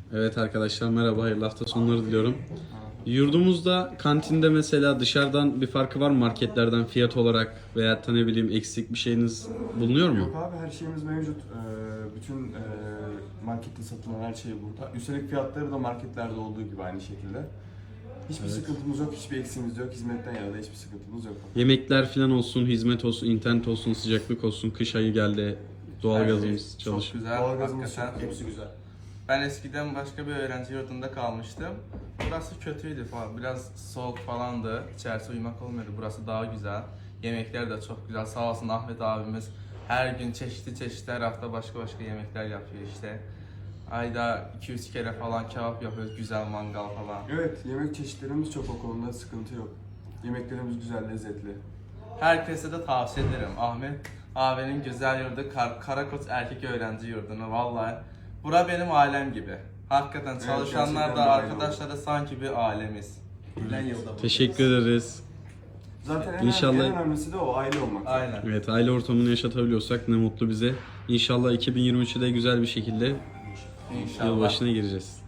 Evet arkadaşlar merhaba, hayırlı hafta sonları diliyorum. Yurdumuzda kantinde mesela dışarıdan bir farkı var mı marketlerden fiyat olarak veya da ne bileyim eksik bir şeyiniz bulunuyor mu? Yok abi, her şeyimiz mevcut. Bütün markette satılan her şey burada. Üstelik fiyatları da marketlerde olduğu gibi aynı şekilde. Hiçbir sıkıntımız yok, hiçbir eksiğimiz yok. Hizmetten yana da hiçbir sıkıntımız yok. Yemekler falan olsun, hizmet olsun, internet olsun, sıcaklık olsun, kış ayı geldi, doğalgazımız Çok çalışıyor. güzel. Doğalgazımız Hakikaten. çok, hepsi güzel. Ben eskiden başka bir öğrenci yurdunda kalmıştım. Burası kötüydü falan. Biraz soğuk falandı. İçerisi uyumak olmuyordu. Burası daha güzel. Yemekler de çok güzel. Sağ olsun Ahmet abimiz her gün çeşitli her hafta başka yemekler yapıyor işte. Ayda 200 kere falan kebap yapıyoruz. Güzel mangal falan. Evet, yemek çeşitlerimiz çok, o konuda sıkıntı yok. Yemeklerimiz güzel, lezzetli. Herkese de tavsiye ederim. Ahmet abinin güzel yurdu Karakoç Erkek Öğrenci Yurdu'nu. Vallahi bura benim ailem gibi. Hakikaten çalışanlar gerçekten da bir aile arkadaşlar da sanki bir ailemiz. Teşekkür ederiz. Zaten İnşallah- en önemlisi de o, aile olmak. Aynen. Evet, aile ortamını yaşatabiliyorsak ne mutlu bize. İnşallah 2023'ü de güzel bir şekilde İnşallah. yılbaşına gireceğiz.